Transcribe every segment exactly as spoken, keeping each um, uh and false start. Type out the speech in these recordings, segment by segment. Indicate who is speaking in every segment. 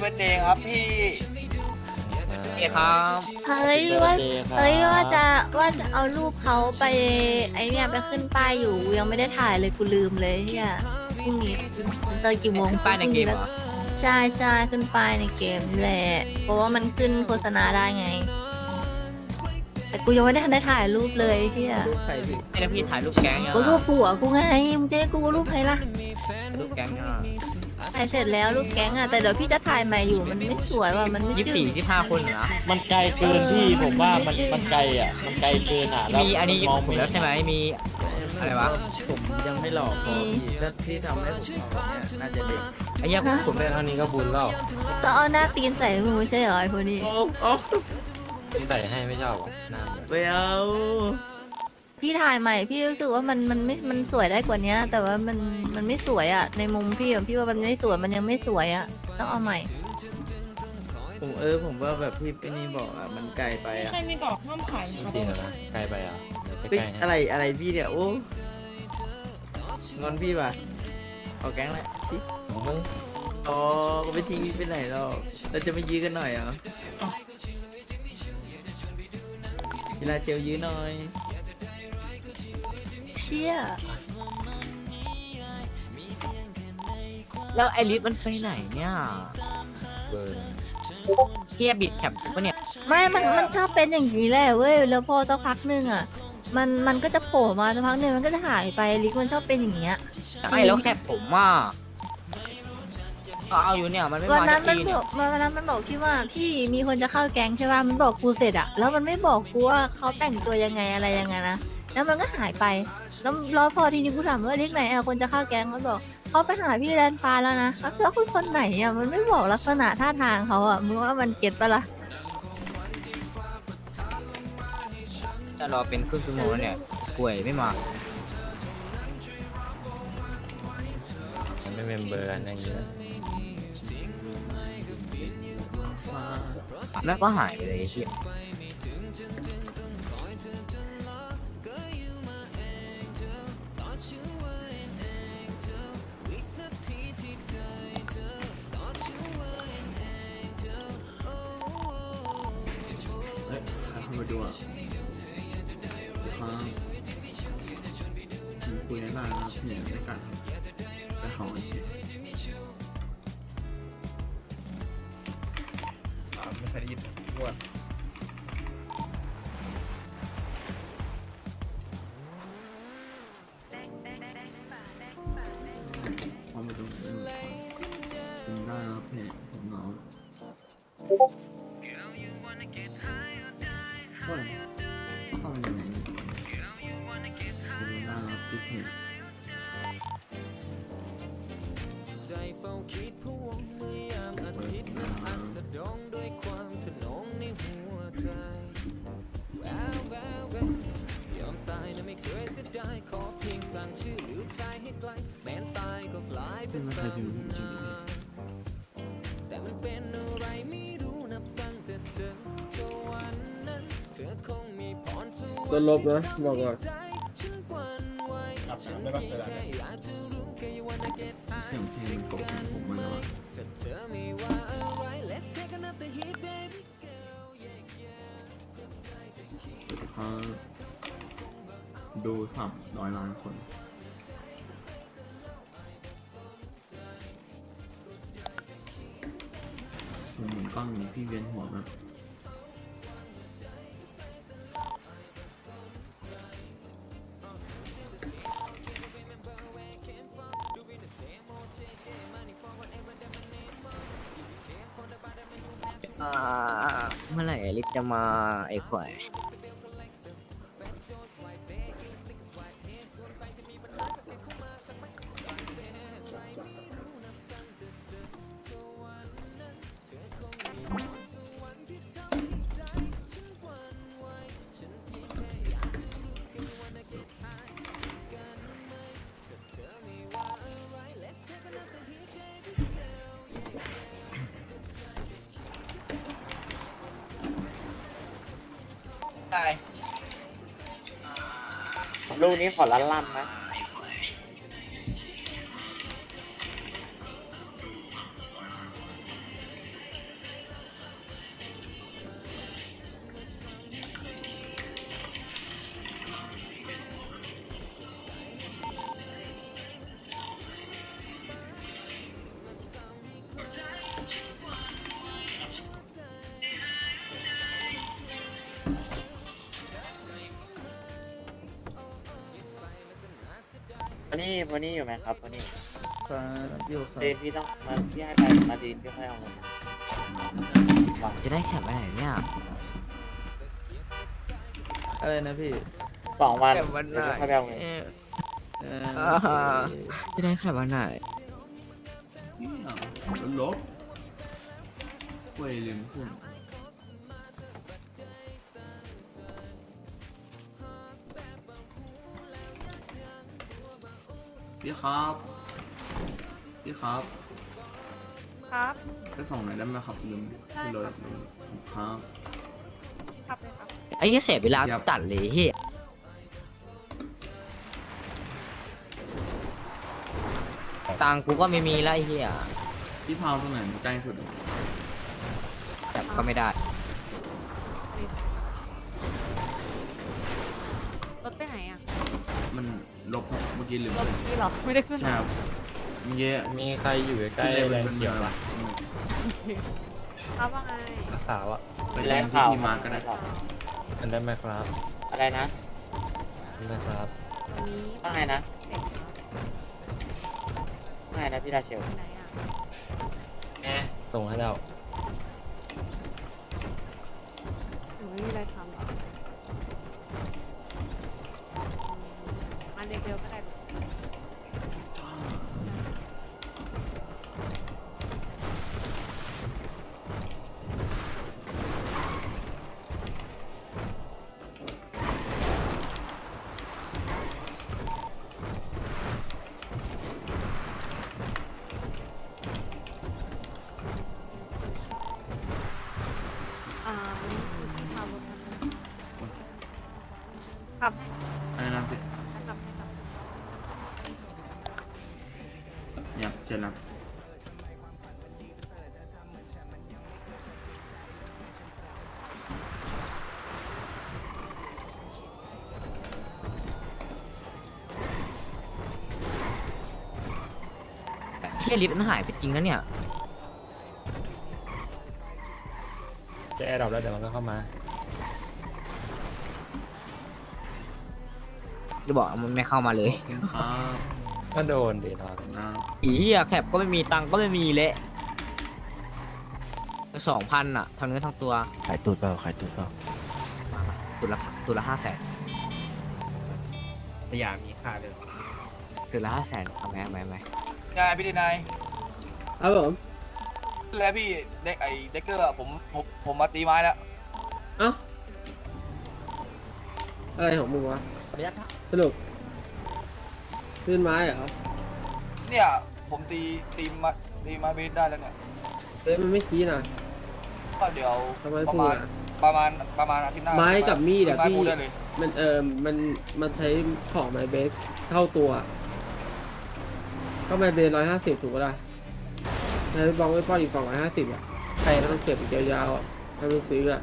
Speaker 1: บิร์ดเดย์ครับพี่
Speaker 2: เอ้ครับ
Speaker 3: เฮ้ยว่าเฮ้ยว่าจะว่าจะเอารูปเขาไปไอเนี่ยไปขึ้นป้ายอยู่ยังไม่ได้ถ่ายเลยกูลืมเลยเฮียพรุ่งนี้ตอนกี่โมง
Speaker 2: ป้ายในเกมเหรอ
Speaker 3: ใช่ใช่ขึ้นป้ายในเกมแหละเพราะว่ามันขึ้นโฆษณาได้ไง แต่กูยังไม่ได้ทันได้ถ่ายรูปเลยเฮีย
Speaker 2: ใครพี่ไอ้แล้วพี่ถ่ายรูปแก๊งยัง
Speaker 3: กูรูปผัวกูไงมึงจะให้กูรูปใครล่ะ
Speaker 2: รูปแก๊งอ่ะ
Speaker 3: ถ่ายเสร็จแล้วรูปแก๊งอะแต่เดี๋ยวพี่จะถ่ายใหม่อยู่มันไม่สวยว่ะมันไม่
Speaker 2: ยี่สิบ
Speaker 3: จื
Speaker 2: สี่
Speaker 3: ด
Speaker 2: ยี่สิบห้าคนเหรอ
Speaker 4: มันไกลเกินที่ผมว่ามันมันไกลอ่ะมันไกลเกินอ่ะแล้ว
Speaker 2: มีอันนี้
Speaker 4: มอง
Speaker 2: ผม
Speaker 4: ไม่
Speaker 2: แล้วใช่ไหมมีอะไรวะ
Speaker 5: ผมยังไม่หลอกพอพี่แล้วที่ทำให้ผมหลอกเนี่ยน่าจะเด็ก
Speaker 2: ไอ้เหี้ยผมได้เท่านี้ก็บุญแล้ว
Speaker 3: ก็เอาหน้าตีนใส่มึงไม่ใช่เหรอไอ้พวกนี้
Speaker 5: โอ้โอ้
Speaker 4: ใส่ให้ไม่ชอบหน้า
Speaker 5: ไม่เอา
Speaker 3: พี่ถ่ายใหม่พี่รู้สึกว่ามันมันไม่มันสวยได้กว่านี้แต่ว่ามันมันไม่สวยอะในมุมพี่อะพี่ว่ามันไม่สวยมันยังไม่สวยอะต้องเอาใหม่
Speaker 5: ผมเออผมว่าแบบพี่พี่นี่บอกอ่ะมันไกลไปอ่ะ
Speaker 6: ใครมีกรอกห้ามขายครับ
Speaker 4: จริงๆนะไกลไปอ่ะไป
Speaker 5: เฮ้ย
Speaker 4: ใกล้ให้
Speaker 5: อะไรอะไรพี่เนี่ยโอ้งอนพี่ป่ะเอาแก๊งแหละชิ
Speaker 4: เฮ้ย
Speaker 5: อ๋อก็ไม่ทิ้งพี่ไปไหนหรอกเราจะไม่ยื้อกันหน่อยเหรอเวลาเจลยื้อหน่อย
Speaker 3: เชี่ย
Speaker 2: แล้วไอริสมันไปไหนเนี่ย
Speaker 4: เบิร์น
Speaker 2: เกียบิดแคปปะเนี่ย
Speaker 3: ไม่มันมันชอบเป็นอย่างนี้แหละเว้ยแล้วพอสักพักหนึงอะมันมันก็จะโผล่มาสักพักหนึงมันก็จะหายไปลิกมันชอบเป็นอย่างเงี้ย
Speaker 2: ไม่แล้วแคปผมว่าก็เอาอยู่เนี่ยมันไม่
Speaker 3: วัน
Speaker 2: มา
Speaker 3: นั้
Speaker 2: สั
Speaker 3: น
Speaker 2: ก
Speaker 3: มัน
Speaker 2: ที
Speaker 3: บ
Speaker 2: เนี่ย
Speaker 3: อกวันนั้นมันบอกพี่ว่าพี่มีคนจะเข้าแก๊งใช่ป่ะมันบอกกูเสร็จอะแล้วมันไม่บอกกูว่าเขาแต่งตัวยังไงอะไรยังไงนะแล้วมันก็หายไปแล้วแล้วพอทีนี้กูถามว่าลิกไหนอะคนจะเข้าแก๊งมันบอกเขาไปหาพี่แลนฟ้าแล้วนะแล้วเขาคือคนไหนอะมันไม่บอกลักษณะท่าทางเขาอะมึงว่ามันเก็ตปะล่ะ
Speaker 2: จะรอเป็นครึ่งชั่วโมงแล้วเนี่ยป่วยไม่มา
Speaker 4: มันไม่เมมเบอร์กันอย่างเงี้ย
Speaker 2: แล้วก็หายไปเลยไอ้เหี้ย
Speaker 5: เฮ้ยเข้ามาดูอ่ะครับผมคุยได้นะครับเนี่ยไม่กัดแต่เขาเฉย
Speaker 1: ไม่เคยได้ยินพูด
Speaker 5: ความเป็นตัวเองผมได้แล้วเพจผมเหงาเฮ้ยเข้าไปยังไงเนี่ยผมได้แล้วที่เพจ
Speaker 7: ใจเฝ้าคิดพวงเมื่อยามอาทิตย์นั้นอัสดงด้วยความถนอมในหัวใจแววแววแววยอมตายนะไม่เคยเสียดายขอเพียงสั่งชื่อหรือใจให้ไกลแม้นตายก็กลายเป็นตำนานแต่มันเป็นอะไรไม่รู้นับตั้งแต่เจอเธอวันนั้นเธอคงมีพรสวรรค์
Speaker 5: ต้นลบนะบอกก่อน
Speaker 7: ใจฉันหวั่นไหว
Speaker 1: ครับไม่บ้างเลย
Speaker 7: แค่อยากจะรู้แค่อยากวันเก็ต
Speaker 5: เสียงเพลงปกติผมมาแล้วอะ
Speaker 7: ถ้าเธอไม่ว่าอะไร Let's take another hit baby girl yeah yeah
Speaker 5: เขาดูสับร้อยล้านคนผมเหมือนกล้องนี้พี่เวียนหัวแบบ
Speaker 2: อ่าเมื่อไหร่ไอริสจะมาไอ้ข่อย
Speaker 1: ได้
Speaker 4: ลูกนี้ขอลั่นลั่นนะ
Speaker 6: วันนี้วันนี้อยู่ไหมครับวันนี้
Speaker 5: ครับอยู่ครับ
Speaker 6: เดนพี่ต้องมาพี่ให้ไปมาดีนพี่ค่อยเอาเงิน
Speaker 2: จะได้แคปไปไหนเนี่ย
Speaker 5: อะไรนะพี่
Speaker 6: สองวัน
Speaker 2: แคปวัน
Speaker 6: เดี๋ยว
Speaker 2: ไหน
Speaker 6: พี่ค่อยไปเอาเงิน
Speaker 5: เอ
Speaker 2: อ่าฮะ จะได้แคปวันไหน
Speaker 5: นี่อ่ะลบเว้ยลืมเพื่อนพี่ครับพี่ครับ
Speaker 8: ครับ
Speaker 5: ไปส่งหน่อยได้ไหมครับลืมที่รถลืมครับ
Speaker 8: ครับเลยครับ
Speaker 2: ไอ้เหี้ยเสียเวลา
Speaker 5: ครับ
Speaker 2: ตัดเลยเฮียตังค์กูก็ไม่มีแล้วไอ้เฮีย
Speaker 5: พี่พาวตรงไหนใกล้สุด
Speaker 2: แคปก็ไม่ได้
Speaker 8: รถไปไหนอ่ะ
Speaker 5: มันลบครับเมื่อกี้ลืม
Speaker 8: รถนี่เหรอ ไม่ได้ขึ้น
Speaker 5: ใช่ครับเมื่อกี้
Speaker 4: มีใครอยู่ใกล้ๆแรงเขียวปะ
Speaker 8: ครับว่าไง
Speaker 4: ขาวอ่ะ
Speaker 5: ไป
Speaker 6: แร
Speaker 5: แรง ง
Speaker 6: ข่าว
Speaker 5: ที่มาก็ได้
Speaker 4: อันได้ไหมครับ
Speaker 6: อะไรนะ
Speaker 4: อันได้ครับ
Speaker 8: ตรงนี้
Speaker 6: ว่าไงนะ
Speaker 8: เด็กครับ
Speaker 6: ว่าไงนะพี่ดาเชล
Speaker 8: ไปไหนอ่ะ
Speaker 4: ส่งให้เรา
Speaker 8: หนูไม่มีอะไรทำหรออืมมาเร็วๆก็ได้ลูก อ่าวันนี้คือที่พารถคันนึงขับให้
Speaker 5: อะไรนะพี่
Speaker 8: ขับให้ขับ
Speaker 5: เนี่ยเจนนะ
Speaker 2: เฮียลิฟต์มันหายไปจริงแล้วเนี่ย
Speaker 4: จะแอร์ดรอปแล้วเดี๋ยวมันก็เข้ามา
Speaker 2: จะบอกมันไม่เข้ามาเลย
Speaker 5: ขอบคุณครับ
Speaker 4: ก็โดนเดทอน
Speaker 5: นะ
Speaker 2: อีเฮียแคปก็ไม่มีตังค์ก็ไม่มีเละสองพันอะทั้งเนื้อทั้งตัว
Speaker 9: ขายตูดเปล่าขายตูดเปล่า
Speaker 2: ตัวละตัวละห้าแสน
Speaker 1: พยายามมีค่าเลย
Speaker 2: ตัวละห้าแสนเอาไหมเอาไหมเอาไหม
Speaker 1: นายพี่ดีนาย
Speaker 5: ครับผม
Speaker 1: แล้วพี่เด็กไอเด็กเกอร์อะผมผมผมมาตีไม้แล้ว
Speaker 5: เอ้าอะไรของมึงวะสรุปขึ้นไม้เหรอ
Speaker 1: เนี่ยผมตีตีมาตีไม้เบสได้แล้วเนี่ย
Speaker 5: เฮ้ยมันไม่ชี้นะ
Speaker 1: ก็เดี๋ยว
Speaker 5: ทำไม
Speaker 1: ประ
Speaker 5: พูด
Speaker 1: มาณ
Speaker 5: อะ
Speaker 1: ประมาณประมาณอาทิตย์หน้า
Speaker 5: ไม้กับมีดอะ
Speaker 1: ไม้
Speaker 5: พี่
Speaker 1: พูดได้เลย
Speaker 5: มันเออมันมันใช้ของไม้เบสเท่าตัวก็ไม้เบสร้อยห้าสิบถูกปะล่ะใช้บองไว้ป้อนอีกสองร้อยห้าสิบอ่ะใครก็ต้องเก็บอีกยาวๆอ่ะถ้าไม่ซื้ออ่ะ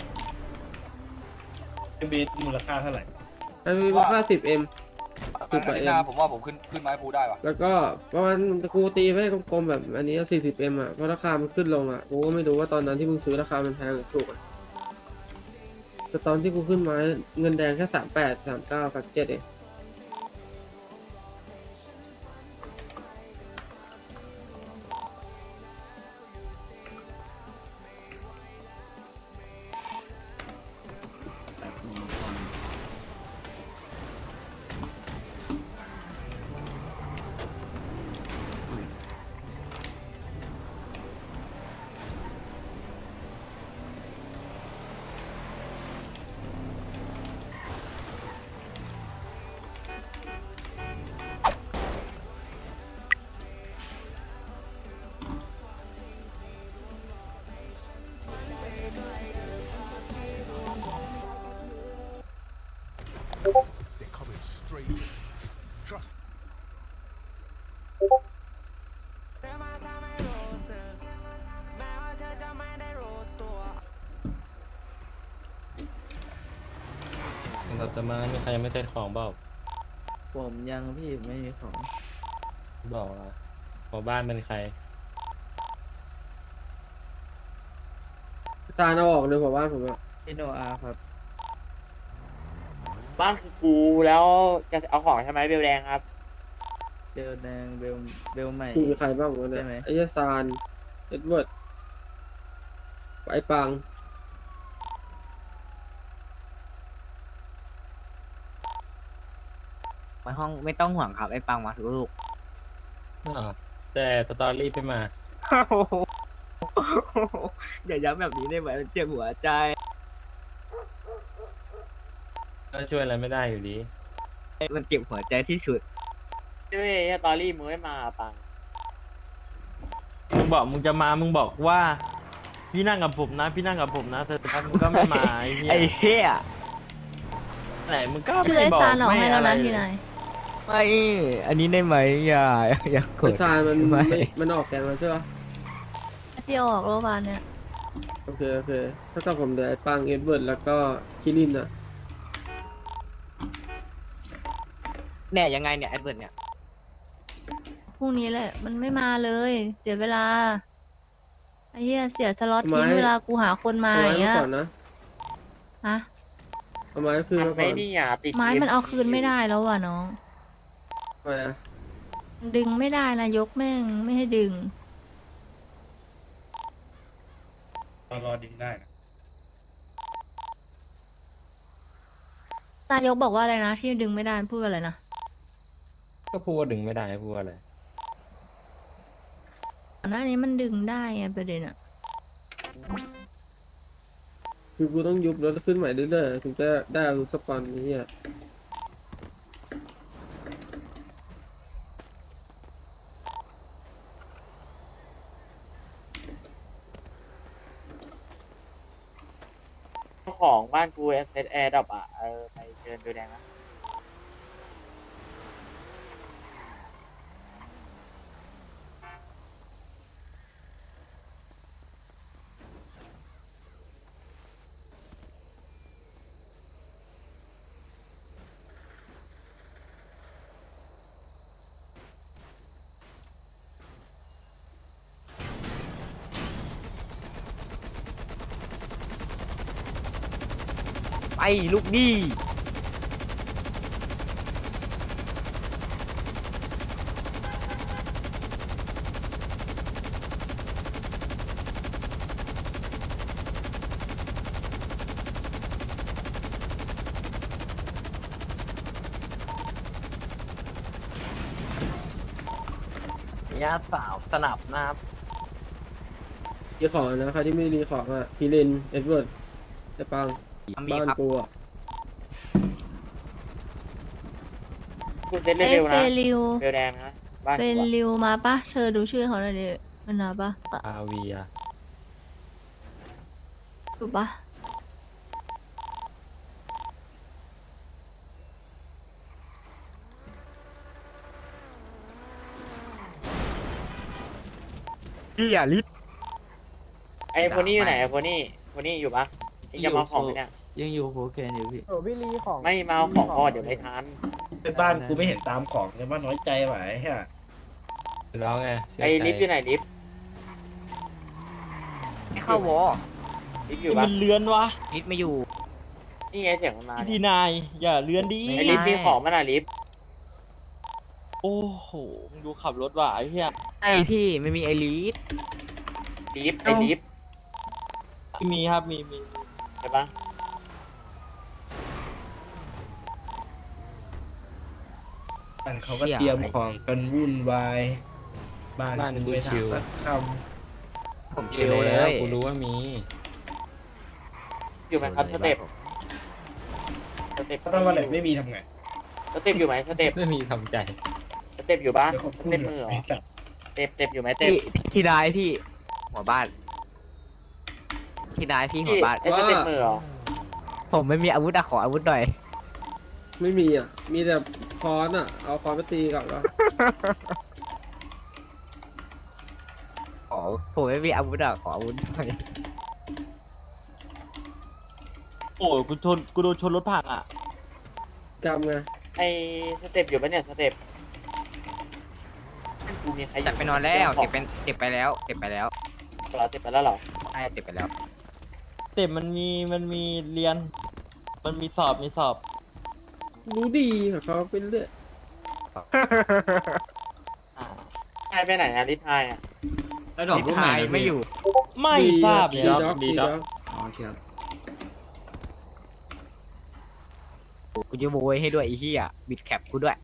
Speaker 1: เบสมูลค่าเท่าไหร่
Speaker 5: ถ้าไม่ห้าสิบเอ็ม
Speaker 1: อาทิตย์หน้าผมว่าผมขึ้นขึ้นไม้พูได้ว่ะ
Speaker 5: แล้วก็ประมาณกูตีไว้กลมๆแบบอันนี้สี่สิบเอ็มอ่ะเพราะราคามันขึ้นลงอ่ะกูก็ไม่รู้ว่าตอนนั้นที่มึงซื้อราคามันแพงหรือถูกอ่ะแต่ตอนที่กูขึ้นไม้เงินแดงแค่สามแปดสามเก้ากับเจ็ดเอง
Speaker 4: เราจะมามีใครยังไม่เซ็ตของเปล่า
Speaker 5: ผมยังพี่ไม่มีของ
Speaker 4: บอกอ่ะหัวบ้านเป็นใคร
Speaker 5: ซานเอาออกเลยผมว่าผมอะพี่โนอาครับ
Speaker 6: บ้านคือกูแล้วจะเอาของใช่ไหมเบลแดงครับ
Speaker 2: เบลแดงเบลเบลใหม่
Speaker 5: กูมีใครบ้างวะเนี่ย
Speaker 2: ใช่ไหม
Speaker 5: ไอ้ยาซานเอ็ดเวิร์ดไอ้ปัง
Speaker 2: มาห้องไม่ต้องห่วงครับไอ้ปังมาทุกลูก
Speaker 4: อ่าแต่สตอรี่ไม่มา
Speaker 2: อย่าย้ำแบบนี้ได้ไหมมันเจ็บหัวใจ
Speaker 4: ก็ช่วยอะไรไม่ได้อยู่ดี
Speaker 2: มันเจ็บหัวใจที่สุด
Speaker 6: ด้วยสตอรี่มึงไม่มาปัง
Speaker 4: มึงบอกมึงจะมา มึงบอกว่า พี่นั่งกับผมนะ พี่นั่งกับผมนะแต่สุดท้ายมึงก็ไม่มาไอ้เหี้ย
Speaker 2: ไอ้เหี้ย
Speaker 4: ไหนมึงก็
Speaker 3: ชื่อ
Speaker 4: ไม่
Speaker 3: ไอ้
Speaker 4: บอก
Speaker 3: ซานออกให้แล้วนะ
Speaker 4: ไม่
Speaker 3: ที
Speaker 4: อะไร
Speaker 3: นาย
Speaker 2: ไม่ อันนี้ได้ไหมอย่าอย่าก
Speaker 5: ไอ้
Speaker 2: ด
Speaker 5: ซานมัน
Speaker 2: ไม่
Speaker 5: ไม่มันออกแกงแล้วใช่ปะ
Speaker 3: พี่เอาออกโรงพยาบาลเนี่ย
Speaker 5: โอเคโอเคถ้ากับผมเดี๋ยวไอ้ปังเอ็ดเวิร์ดแล้วก็คิรินอ่ะ
Speaker 2: เนี่ยยังไงเนี่ยแอดเวิร์ดเนี่ย
Speaker 3: พรุ่งนี้แหละ มันไม่มาเลย เสียเวลาไอ้เหี้ยเสียสล็อตทิ้งเวลากูหาคนมา
Speaker 5: เอา
Speaker 3: อ
Speaker 5: ไม้
Speaker 3: ย่างเงี้
Speaker 5: มาย ก่อนนะ
Speaker 3: ฮะ
Speaker 5: เอาไม้คืน
Speaker 6: มัน
Speaker 5: มาก่
Speaker 6: ไม่
Speaker 5: อน
Speaker 6: นี่อ่ะติด
Speaker 3: ไม้มันเอาคืนไม่ได้แล้วว่ะน้อง
Speaker 5: ไปอ่ะ
Speaker 3: ดึงไม่ได้นะยกแม่งไม่ให้ดึง
Speaker 9: รอรอดึงได้นะ
Speaker 3: ตายกบอกว่าอะไรนะที่ดึงไม่ได้พูดว่าอะไรนะ
Speaker 4: ก็พูดว่าดึงไม่ได้พูดว่าอะไร
Speaker 3: ก่อนหน้านี้มันดึงได้ไงประเด็นอะ
Speaker 5: คือกูต้องยุบแล้วขึ้นใหม่เรื่อยๆถึงจะได้อาวุธสปอนนี้อ่ะ
Speaker 6: เจ้าของบ้านกูเอสเอสแอร์ดับอ่ะเออไปเชิญดูแดงนะ
Speaker 2: ไปลูกดี
Speaker 4: ญาติสาวสนับนะครับ
Speaker 5: รีของนะใครที่ไม่รีของอ่ะคิรินเอ็ดเวิร์ดไอ้ปัง
Speaker 2: มี
Speaker 5: บ้าน
Speaker 2: ครับ
Speaker 5: กูอ่ะ
Speaker 6: กูเซ็ต
Speaker 3: เอ้ย
Speaker 6: เร็วๆ
Speaker 3: เฟ
Speaker 6: นะ
Speaker 3: ลิว
Speaker 6: เบลแดงนะบ้าน
Speaker 3: เฟ
Speaker 6: กูอะ
Speaker 3: ลิวมาปะเธอดูชื่อเขาหน่อยดิมันมาปะปะ
Speaker 4: อาวีอะ
Speaker 3: ถูกปะ
Speaker 2: พี่อย่าลิด
Speaker 6: ไอ้โพนี่อยู่ไหนไอ้โพนี่โพนี่อยู่ปะไอ้จะมาเอาของไหมเนี่ย
Speaker 4: ยังอยู่โฟเคนอยู่พี่
Speaker 6: ไม่มาเอาของก่อนเดี๋ยวไม่ทัน
Speaker 9: ในบ้านกูไม่เห็นตามของในบ้านน้อยใจไหวฮะ
Speaker 4: แล้วไงเสีย
Speaker 6: ไอ้
Speaker 4: ใจ
Speaker 6: ลิฟต์อยู่ไหนลิฟต์
Speaker 2: ไม่เข้าวอ
Speaker 6: ลิฟต์อยู่ปะ
Speaker 4: มันเลือนวะ
Speaker 2: ลิดไม่อยู่
Speaker 6: นี่ไงเสียงมันมา
Speaker 4: พี่
Speaker 6: เนี่
Speaker 4: ที
Speaker 6: ย
Speaker 4: นายอย่าเลือนดี
Speaker 2: ไม่
Speaker 6: ไอ้
Speaker 2: ใช่
Speaker 6: ลิฟต์มีของมันอะลิฟต์
Speaker 4: โอ้โหมึงดูขับรถว่ะไอ้เหี้ย
Speaker 2: ไอพี่ไม่มีไอลิด
Speaker 6: ลิฟต์ไอ้ลิฟต์
Speaker 4: มีครับมีมี
Speaker 6: ใช่ปะ
Speaker 9: บ้านเขาก็เตรียมของกันวุ่นวายบ้าน
Speaker 4: บ้าน
Speaker 9: กู
Speaker 4: กู
Speaker 9: ไม่
Speaker 4: ชิว
Speaker 9: ทำสักค
Speaker 2: ผมชิลเล
Speaker 4: แล้ว
Speaker 2: ย
Speaker 4: กูรู้ว่ามี
Speaker 6: อยู่ไหมครับสเต็ปสเต็ป
Speaker 9: ำถ้าวันไหนไม่มีทำไง
Speaker 6: สเต็ปอยู่ไหมสเต็ป
Speaker 4: ไม่มีทำใจ
Speaker 6: สเต็ปอยู่ปะ
Speaker 9: เดี๋ยวเขา
Speaker 6: ส
Speaker 9: พูด
Speaker 6: เต็ปมือเหรอ
Speaker 9: ไอ้สัตว์
Speaker 6: สเต็ปสเต็ปอยู่ไหมเต็ป
Speaker 2: พี่พี่นายพี่ หัวบ้านพี่นายพี่หัวบ้าน
Speaker 6: ไอ้สเต็ปมือเหรอ
Speaker 2: ผมไม่มีอาวุธอะขออาวุธหน่อย
Speaker 5: ไม่มีอ่ะ มีแต่ค้อนอ่ะ เอาค้อนไปตีกลับแล้ว
Speaker 2: ขอผมไม่มีอาวุธอะขออาวุธหน่อย
Speaker 4: โอ้ยกูชนกูโดนชนรถผ่านอ่ะ
Speaker 5: จำไง
Speaker 6: ไอ้สเต็ปอยู่ปะเนี่ยสเต็ปกูมีใครอยู่
Speaker 2: จัดไปนอนแล้วเก็บเป็นเก็บไปแล้ว เก็บไปแล้ว
Speaker 6: เราเก็บไปแล้วเหรอ
Speaker 2: ใช่เก็บไปแล้ว
Speaker 4: เต็มมันมีมันมีเรียน มันมีสอบมีสอบ
Speaker 5: รู้ดีกับเขาเป็นเรื่อย
Speaker 6: ไทยไปไหนอะลิทายอะ
Speaker 2: แล้วดอกลูกไม้ไม่อยู่
Speaker 4: ไม่ทราบเลย
Speaker 5: ดี
Speaker 4: ครับ
Speaker 5: ด็อกดีด็อก
Speaker 2: อ๋อโอเคครับกูจะโวยให้ด้วยไอ้เหี้ยบิดแคปกูด้วย